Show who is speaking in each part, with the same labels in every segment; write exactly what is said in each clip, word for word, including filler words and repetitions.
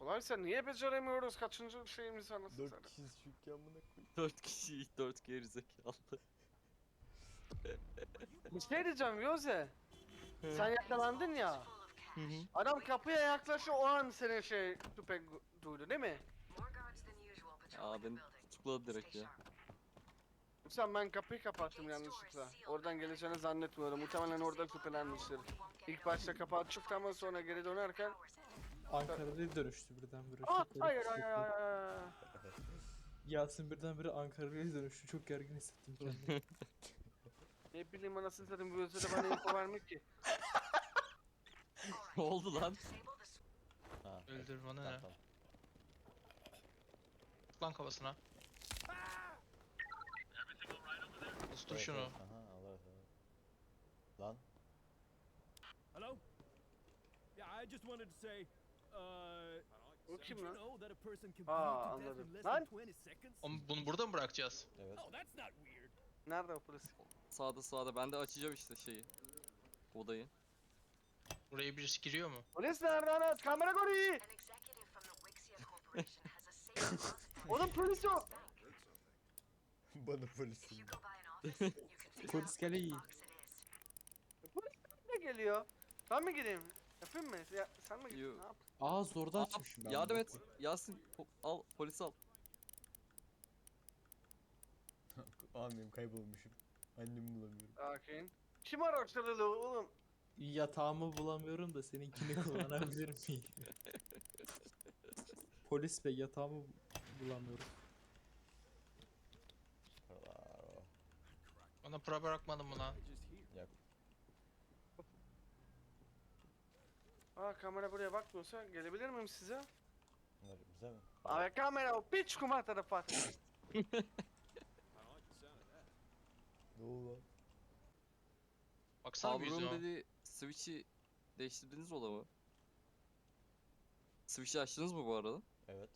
Speaker 1: Kolaysa niye beceremiyoruz? Kaçıncı şeyimiz anasını
Speaker 2: Dört
Speaker 1: satayım.
Speaker 2: kişiyiz çünkü amına koyayım.
Speaker 3: Dört kişi, dört gerizekalı.
Speaker 1: Bir şey diyeceğim Yoze. Sen yakalandın ya.
Speaker 3: Hı hı.
Speaker 1: Adam kapıya yaklaşıyor o an senin şey tüpek duydu değil mi?
Speaker 3: Aa beni tutukladı direkt ya.
Speaker 1: Sen ben kapıyı kapattım yanlışlıkla. Oradan geleceğini zannetmiyorum. Muhtemelen orada şüphelenmiştir. İlk başta kapı açıktı ama sonra geri dönerken...
Speaker 4: Ankara'ya dönüştü birdenbire.
Speaker 1: Ah
Speaker 4: Çok garip
Speaker 1: hayır hayır
Speaker 4: hissettim.
Speaker 1: hayır hayır.
Speaker 4: Yasin birdenbire Ankara'ya dönüştü. Çok gergin hissettim kendimi.
Speaker 1: Ne bileyim anasını satayım bu özede bana info vermek ki.
Speaker 3: Ne oldu lan?
Speaker 2: Ha.
Speaker 5: Öldür bana
Speaker 2: Tamam
Speaker 5: ne?
Speaker 2: tamam.
Speaker 5: Lan kafasına. Ustur
Speaker 2: Evet,
Speaker 5: şunu.
Speaker 2: evet. Aha Allah Allah. Lan.
Speaker 6: Hello? Yeah, I just wanted to say, uh,
Speaker 1: O
Speaker 6: did
Speaker 1: kim
Speaker 6: you
Speaker 1: lan?
Speaker 6: know that a person can
Speaker 1: Aa,
Speaker 6: bleed to death
Speaker 1: anladım.
Speaker 6: in less
Speaker 1: Lan!
Speaker 6: than twenty seconds?
Speaker 5: Oğlum bunu burada mı bırakacağız?
Speaker 2: Evet.
Speaker 6: Oh, that's not weird.
Speaker 1: Nerede o polis?
Speaker 3: Sağda sağda ben de açacağım işte şeyi. Odayı.
Speaker 5: Buraya birisi giriyor mu?
Speaker 1: Polis nerede ana? Kamera koruyor. Oğlum polis yok.
Speaker 2: Bana polisim.
Speaker 4: Polis geliyor.
Speaker 1: Polis ne geliyor? Ben mi gideyim? Yapayım mı? Ya, sen mi
Speaker 3: Yo.
Speaker 1: gidin? Ne yap?
Speaker 4: Aa zorda
Speaker 3: Aa,
Speaker 4: açmışım ben.
Speaker 3: yardım
Speaker 4: bunu.
Speaker 3: et. Yasin po- al polis al.
Speaker 2: Amirim kaybolmuşum. Annemi bulamıyorum.
Speaker 1: Sakin. Kim araştırdı oğlum?
Speaker 4: Yatağımı bulamıyorum da seninkini kullanabilir miyim? Polis bey yatağımı bulamıyorum.
Speaker 2: Paralar o.
Speaker 5: Bana para bırakmadın mı lan?
Speaker 2: Yok.
Speaker 1: Aa kamera buraya bakmıyorsa gelebilir miyim size?
Speaker 2: Bunlar bize mi?
Speaker 1: Abi kamera o piç kumar tarafı.
Speaker 2: Ne oldu lan?
Speaker 5: Baksana bir
Speaker 3: Avrun
Speaker 5: yüzüne.
Speaker 3: dedi switch'i değiştirdiniz mi odamı? Switch'i açtınız mı bu arada?
Speaker 2: Evet.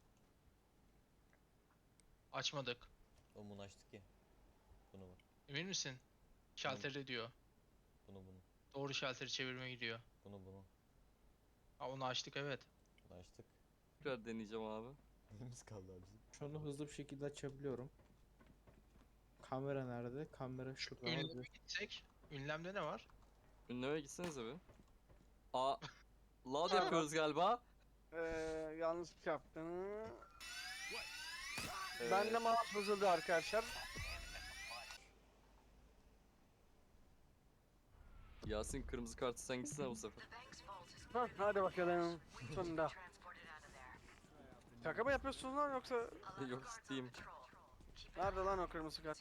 Speaker 5: Açmadık.
Speaker 2: O bunu açtık ya. Bunu mu?
Speaker 5: Emin misin? Şalteri diyor.
Speaker 2: Bunu bunu.
Speaker 5: Doğru şalteri çevirmeye gidiyor.
Speaker 2: Bunu bunu.
Speaker 5: Ha onu açtık evet.
Speaker 2: Bunu açtık.
Speaker 3: Tekrar deneyeceğim abi.
Speaker 2: Neyimiz kaldı abi bizim?
Speaker 4: Şunu hızlı bir şekilde açabiliyorum. Kamera nerede? Kamera şurada.
Speaker 5: Ünleme
Speaker 4: Abi.
Speaker 5: gitsek. Ünlemde ne var?
Speaker 3: Ünleme gitsenize bir. Aa loud yapıyoruz galiba.
Speaker 1: Ee, yanlış yaptım.
Speaker 3: Ee,
Speaker 1: Ben de mouse bozuldu arkadaşlar.
Speaker 3: Yasin kırmızı kartı sen gitsene bu sefer.
Speaker 1: Hah, hadi bakalım. Sonunda. Şaka mı yapıyorsunuz lan yoksa?
Speaker 3: Yok ciddiyim.
Speaker 1: Nerede lan o kırmızı kart?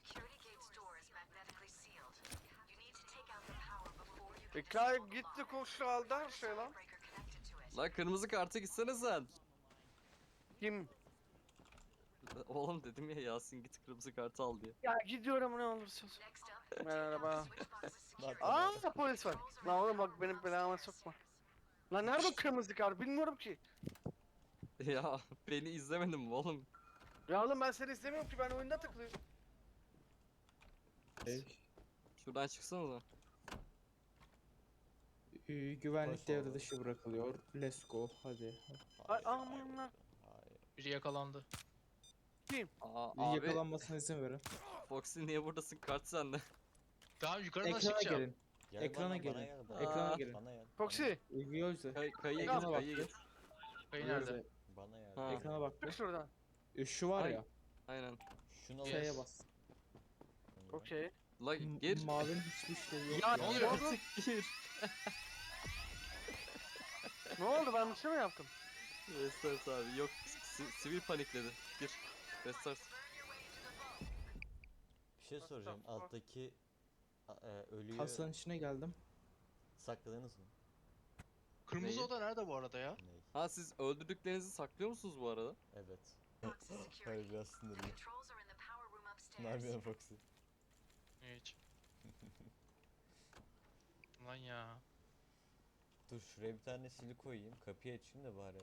Speaker 1: E kay gitti koştu aldı her şey lan.
Speaker 3: Lan kırmızı kartı gitsene sen.
Speaker 1: Kim?
Speaker 3: Oğlum dedim ya Yasin git kırmızı kartı al diye.
Speaker 1: Ya gidiyorum ne olursa olsun. Merhaba.
Speaker 2: Bak,
Speaker 1: Aa polis var. Lan oğlum bak benim belama sokma. Lan nerede o kırmızı kart bilmiyorum ki.
Speaker 3: Ya beni izlemedin mi oğlum?
Speaker 1: Ya oğlum ben seni istemiyorum ki ben oyunda tıklıyorum.
Speaker 4: Şey,
Speaker 3: Şuradan çıksanıza.
Speaker 4: e, güvenlik
Speaker 2: Hoş
Speaker 4: devre
Speaker 2: oldu.
Speaker 4: dışı bırakılıyor. Let's go. Hadi.
Speaker 1: Ay aman lan.
Speaker 2: Hayır.
Speaker 5: Biri yakalandı.
Speaker 3: Aa abi
Speaker 4: Yakalanmasına izin verin.
Speaker 3: Foxy niye buradasın kart sende?
Speaker 5: Tamam yukarı nasıl
Speaker 4: Ekrana
Speaker 5: çıkacağım?
Speaker 4: gelin.
Speaker 2: Gel
Speaker 4: Ekrana
Speaker 2: bana,
Speaker 4: gelin.
Speaker 2: Bana gel, bana
Speaker 4: Ekrana
Speaker 2: gel.
Speaker 4: gelin.
Speaker 2: Bana gel.
Speaker 1: Foxy.
Speaker 4: Gözle.
Speaker 3: Kay kayıya
Speaker 4: Ekrana
Speaker 3: git
Speaker 4: bak
Speaker 3: kayıya
Speaker 4: bir.
Speaker 3: git.
Speaker 5: Kayı nerede?
Speaker 4: Gözle.
Speaker 2: Bana gel.
Speaker 3: Ha.
Speaker 4: Ekrana bak
Speaker 1: Çık
Speaker 4: bir.
Speaker 1: şuradan.
Speaker 4: E, Şu var
Speaker 3: Ay.
Speaker 4: ya.
Speaker 3: Aynen.
Speaker 2: Şunu al.
Speaker 5: Yes.
Speaker 4: Şeye bas.
Speaker 1: Okey.
Speaker 3: La
Speaker 4: M-
Speaker 3: gir.
Speaker 4: Mavinin hiçbir şey yok.
Speaker 3: Ya
Speaker 5: Ne oluyor?
Speaker 3: artık gir.
Speaker 1: Ne oldu ben bir şey mi yaptım?
Speaker 3: Restart abi yok si- sivil panikledi. Gir. Restart.
Speaker 2: Bir şey soracağım.
Speaker 1: What the fuck?
Speaker 2: Alttaki a- e, ölüyü
Speaker 4: Kasanın içine geldim.
Speaker 2: sakladınız mı?
Speaker 5: Kırmızı
Speaker 3: Neyi?
Speaker 5: oda nerede bu arada ya?
Speaker 2: Ney?
Speaker 3: Ha siz öldürdüklerinizi saklıyor musunuz bu arada?
Speaker 2: Evet. Hayır biraz sınırlı. Ne yapıyorsun Foxy?
Speaker 5: Hiç. Lan ya.
Speaker 2: Dur şuraya bir tane sili koyayım. Kapıyı açayım da bari.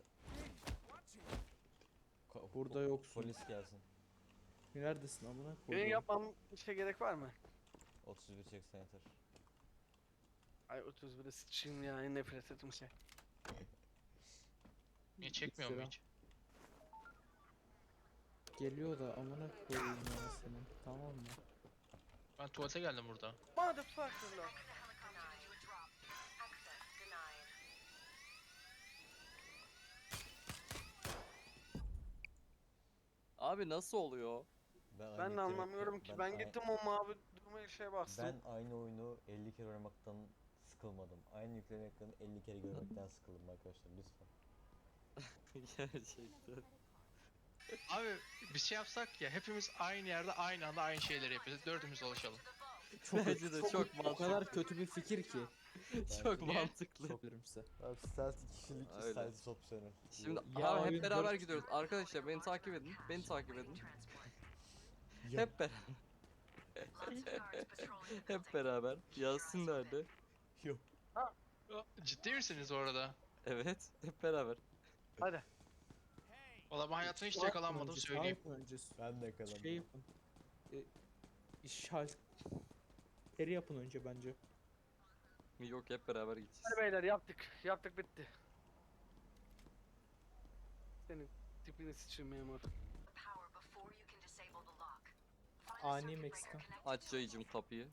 Speaker 2: Ka-
Speaker 4: Burada
Speaker 2: po-
Speaker 4: yoksun.
Speaker 2: Polis gelsin.
Speaker 4: Neredesin amına
Speaker 1: Benim
Speaker 4: koyayım?
Speaker 1: yapmam bir şey gerek var mı?
Speaker 2: otuz bir çeksen yeter.
Speaker 1: Ay otuz bire sıçayım ya en nefret ettiğim şey.
Speaker 5: Niye çekmiyor mu
Speaker 4: lira.
Speaker 5: hiç?
Speaker 4: Geliyor da amına koyayım ya senin. Tamam mı?
Speaker 5: Ben tuvalete geldim burada.
Speaker 1: Motherfucker'lar.
Speaker 3: Abi nasıl oluyor?
Speaker 2: Ben,
Speaker 1: Ben
Speaker 2: aynı
Speaker 1: de
Speaker 2: kere-
Speaker 1: anlamıyorum ki. Ben
Speaker 2: ay-
Speaker 1: gittim o mavi durmaya şey bastım.
Speaker 2: Ben aynı oyunu elli kere oynamaktan sıkılmadım. Aynı yükleme ekranı elli kere görmekten sıkıldım arkadaşlar lütfen.
Speaker 3: Gerçekten.
Speaker 5: Abi bir şey yapsak ya, hepimiz aynı yerde aynı anda aynı şeyleri yapıyoruz. Dördümüz dolaşalım.
Speaker 4: Çok,
Speaker 3: Bence de çok
Speaker 4: O
Speaker 3: mantıklı.
Speaker 4: kadar kötü bir fikir ki.
Speaker 3: Çok
Speaker 5: Niye?
Speaker 3: mantıklı.
Speaker 4: Çok bilirim size.
Speaker 2: Abi stealth iki kişilik
Speaker 3: Öyle.
Speaker 2: stealth opsiyonu.
Speaker 3: Şimdi
Speaker 4: Ya
Speaker 3: abi
Speaker 4: oyun
Speaker 3: hep beraber
Speaker 4: dört-
Speaker 3: gidiyoruz. Arkadaşlar beni takip edin. Beni takip edin.
Speaker 2: Ya,
Speaker 3: Hep beraber. Hep beraber. Yasin nerede?
Speaker 2: yok.
Speaker 5: Aa, ciddi misiniz orada?
Speaker 3: Evet. Hep beraber.
Speaker 1: Hadi.
Speaker 5: Valla ben hayatımda hiç
Speaker 4: Sağ yapın
Speaker 5: yakalanmadım
Speaker 4: önce, sağ
Speaker 5: söyleyeyim.
Speaker 4: yapın önce.
Speaker 2: Ben de kalamam.
Speaker 4: Şey yapın. E, işaret. Eri yapın önce bence.
Speaker 3: Yok hep beraber gideceğiz.
Speaker 1: Hadi beyler yaptık. Yaptık bitti. Senin tipini sıçayım memur.
Speaker 4: Ani Meksikan.
Speaker 3: Aç yayıcım kapıyı.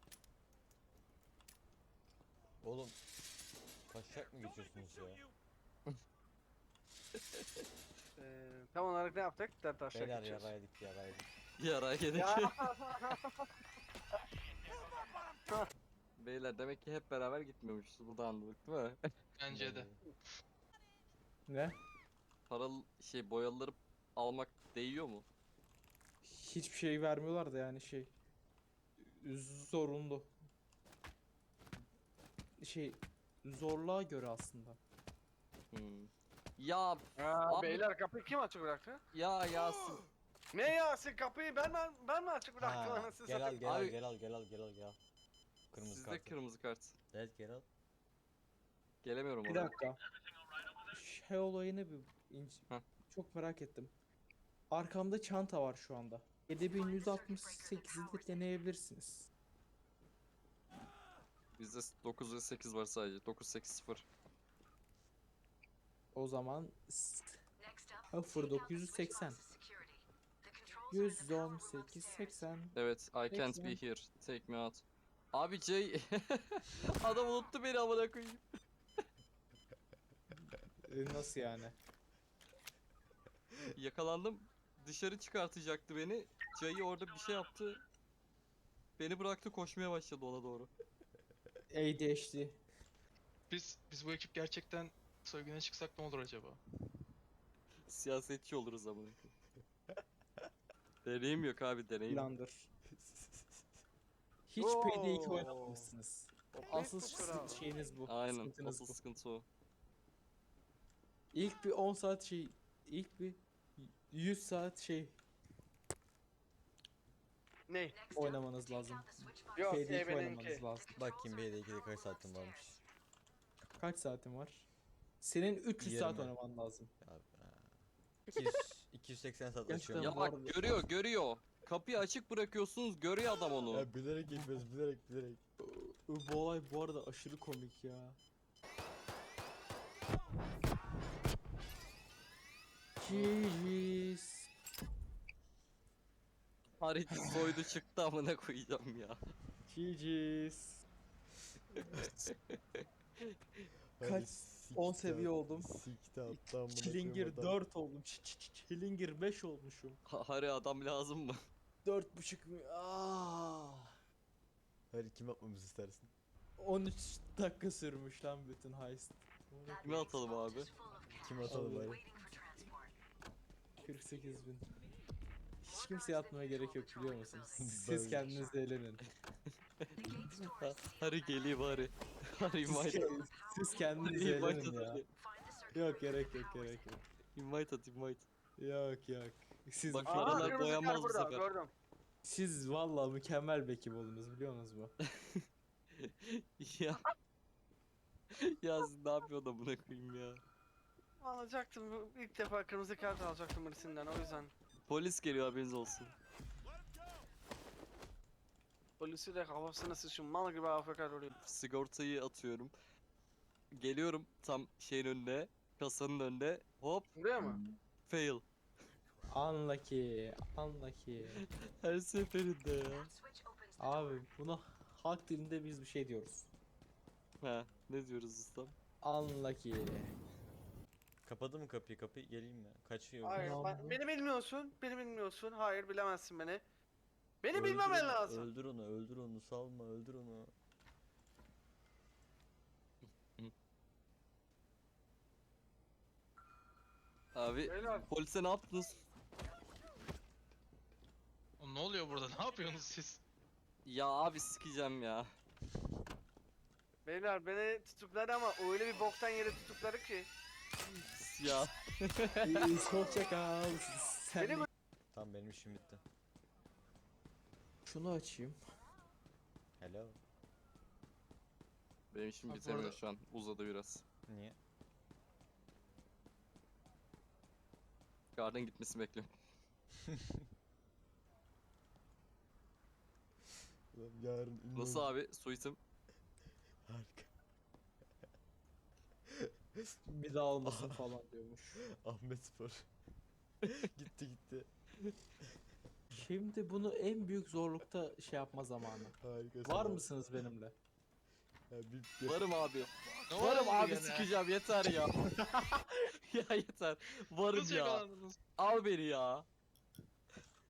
Speaker 2: Oğlum kaçacak mı geçiyorsunuz ya?
Speaker 1: Ee, tam olarak ne yaptık? Dert aşağı
Speaker 2: Beyler
Speaker 1: geçiyoruz.
Speaker 2: yaraydık yaraydık.
Speaker 3: Yara yedik.
Speaker 1: Ya.
Speaker 3: Beyler demek ki hep beraber gitmiyormuşuz. Burada anladık değil mi?
Speaker 5: Bence de.
Speaker 4: Ne?
Speaker 3: Paralı şey boyaları almak değiyor mu?
Speaker 4: Hiçbir şey vermiyorlar da yani şey. Zorunlu. Şey zorluğa göre aslında.
Speaker 3: Hmm. Ya
Speaker 1: Aa,
Speaker 3: Abi-
Speaker 1: beyler kapıyı kim açık bıraktı?
Speaker 3: ya Yasin.
Speaker 1: Ne Yasin kapıyı ben ben, ben mi açık bıraktım
Speaker 2: Ha,
Speaker 1: anasını
Speaker 2: gel al
Speaker 1: satayım?
Speaker 2: gel al
Speaker 3: Abi-
Speaker 2: gel al gel al gel al gel al. Kırmızı
Speaker 3: Sizde
Speaker 2: kart.
Speaker 3: kırmızı kart.
Speaker 2: Evet gel al.
Speaker 3: Gelemiyorum
Speaker 4: Bir
Speaker 3: oraya.
Speaker 4: dakika. Şey olayını bir ince-
Speaker 3: Heh.
Speaker 4: çok merak ettim. Arkamda çanta var şu anda. yedi bin yüz altmış sekizi de deneyebilirsiniz.
Speaker 3: Bizde dokuz ve sekiz var sadece. dokuz sekiz sıfır.
Speaker 4: O zaman sıfır dokuz yüz seksen. yüz on sekiz seksen.
Speaker 3: Evet, I can't be
Speaker 4: Seksen.
Speaker 3: here. Take me out. Abi Jay adam unuttu beni amına koyayım.
Speaker 4: E, Nasıl yani?
Speaker 3: Yakalandım. Dışarı çıkartacaktı beni. Jay orada bir şey yaptı. Beni bıraktı koşmaya başladı ona doğru.
Speaker 4: A D H D.
Speaker 5: Biz biz bu ekip gerçekten soyguna çıksak ne olur acaba?
Speaker 3: Siyasetçi oluruz amına koyayım. Deneyim yok abi deneyim.
Speaker 4: Plandır. Hiç P D iki
Speaker 1: Oo.
Speaker 4: oynamamışsınız.
Speaker 1: O
Speaker 4: Asıl
Speaker 1: pek kusura.
Speaker 4: sı- şeyiniz bu.
Speaker 3: Aynen.
Speaker 4: Sıkıntınız
Speaker 3: Asıl
Speaker 4: bu.
Speaker 3: sıkıntı o.
Speaker 4: İlk bir on saat şey, ilk bir yüz saat şey
Speaker 1: Ne?
Speaker 4: oynamanız lazım.
Speaker 1: Yok
Speaker 4: P D iki
Speaker 1: ebeninki.
Speaker 4: oynamanız lazım.
Speaker 2: Bakayım B D ikide kaç saatim varmış.
Speaker 4: Kaç saatin var? Senin üç yüz saat
Speaker 2: Yirmi.
Speaker 4: oynaman lazım.
Speaker 2: Ya, ha. iki yüz, iki yüz seksen saat
Speaker 4: Gerçekten
Speaker 2: açıyorum.
Speaker 3: Ya
Speaker 4: bu
Speaker 3: bak
Speaker 4: arada-
Speaker 3: görüyor görüyor. Kapıyı açık bırakıyorsunuz görüyor adam onu.
Speaker 2: Ya bilerek yapıyoruz bilerek bilerek.
Speaker 4: Bu olay bu arada aşırı komik ya. Jeez.
Speaker 3: Harita soydu çıktı amına koyacağım ya.
Speaker 4: Jeez.
Speaker 2: Hadi
Speaker 4: Kaç?
Speaker 2: siktir
Speaker 4: on
Speaker 2: at-
Speaker 4: seviye oldum.
Speaker 2: Siktir attı amına
Speaker 4: Çilingir
Speaker 2: koyayım adam.
Speaker 4: dört oldum. Ç- ç- ç- Çilingir beş olmuşum.
Speaker 3: Ha- Hari adam lazım mı?
Speaker 4: dört buçuk mü? Aa.
Speaker 2: Hadi kim atmamızı istersin?
Speaker 4: on üç dakika sürmüş lan bütün heist.
Speaker 3: Kime atalım abi?
Speaker 2: Kim atalım
Speaker 4: Allah.
Speaker 2: hadi.
Speaker 4: kırk sekiz bin. Hiç kimseye atmaya gerek yok biliyor musunuz? Siz
Speaker 2: Ben-
Speaker 4: kendiniz eğlenin.
Speaker 3: Ha- Hari geliyor Hari. Hari
Speaker 4: Siz,
Speaker 3: invite.
Speaker 4: ke- siz kendiniz
Speaker 3: Hari invite
Speaker 4: eğlenin
Speaker 3: at
Speaker 4: ya.
Speaker 3: Hari.
Speaker 4: Yok gerek yok gerek yok.
Speaker 3: Invite at invite.
Speaker 4: Yok yok. Siz
Speaker 3: Bak,
Speaker 1: Aa
Speaker 3: Paralar
Speaker 1: kırmızı
Speaker 3: boyanmaz
Speaker 1: kar
Speaker 3: bu
Speaker 1: burada
Speaker 3: sefer.
Speaker 1: gördüm.
Speaker 4: siz vallahi mükemmel bir ekip oldunuz biliyor musunuz mu?
Speaker 3: ya. ya siz ne yapıyor da buna koyayım ya.
Speaker 1: Alacaktım bu- ilk defa kırmızı kart alacaktım birisinden o yüzden.
Speaker 3: Polis geliyor haberiniz olsun.
Speaker 1: Polisi de kafasına sıçın mal gibi A F K duruyor.
Speaker 3: Sigortayı atıyorum. Geliyorum tam şeyin önüne. Kasanın önünde hop
Speaker 1: Buraya mı?
Speaker 3: fail.
Speaker 4: Unlucky. Unlucky.
Speaker 3: Her seferinde ya.
Speaker 4: Abi buna halk dilinde biz bir şey diyoruz.
Speaker 3: Ha, ne diyoruz ustam?
Speaker 4: Unlucky.
Speaker 2: Kapadı mı kapıyı? Kapıyı geleyim mi? Kaçıyor.
Speaker 1: Hayır,
Speaker 4: Ulan
Speaker 1: ben-
Speaker 4: bu-
Speaker 1: beni bilmiyorsun, beni bilmiyorsun. Hayır, bilemezsin beni. Beni
Speaker 2: Öldür
Speaker 1: bilmemen
Speaker 2: onu,
Speaker 1: lazım.
Speaker 2: Öldür onu, öldür onu, salma, öldür onu.
Speaker 3: Abi
Speaker 1: Beyler,
Speaker 3: polise ne yaptınız?
Speaker 5: Oğlum ne oluyor burada? Ne yapıyorsunuz siz?
Speaker 3: Ya abi sikeceğim ya.
Speaker 1: beyler beni tutukladı ama öyle bir boktan yere tutukladı ki.
Speaker 3: Ya.
Speaker 4: Hoşça kal. Sen
Speaker 1: Beni
Speaker 4: de-
Speaker 2: Tamam benim işim bitti.
Speaker 4: Şunu açayım.
Speaker 2: Hello.
Speaker 3: Benim işim
Speaker 5: Abi
Speaker 3: bitemiyor
Speaker 5: orada-
Speaker 3: şu an. Uzadı biraz.
Speaker 2: Niye?
Speaker 3: Garden gitmesini bekliyorum.
Speaker 2: Ulan yarın ünlü
Speaker 3: Nasıl
Speaker 2: olacağım.
Speaker 3: abi? Suitim.
Speaker 2: Harika.
Speaker 4: Bir daha olmasın falan diyormuş.
Speaker 2: Ahmet Spor. gitti gitti.
Speaker 4: Şimdi bunu en büyük zorlukta şey yapma zamanı.
Speaker 2: Harika.
Speaker 4: Var
Speaker 2: sana.
Speaker 4: mısınız benimle?
Speaker 2: Ya bir, bir-
Speaker 3: Varım abi.
Speaker 5: Ne
Speaker 3: Varım
Speaker 5: oldu
Speaker 3: abi
Speaker 5: gene?
Speaker 3: sikeceğim yeter ya. Ya yeter. Varım
Speaker 5: Nasıl
Speaker 3: ya.
Speaker 5: yakalandınız?
Speaker 3: Al beni ya.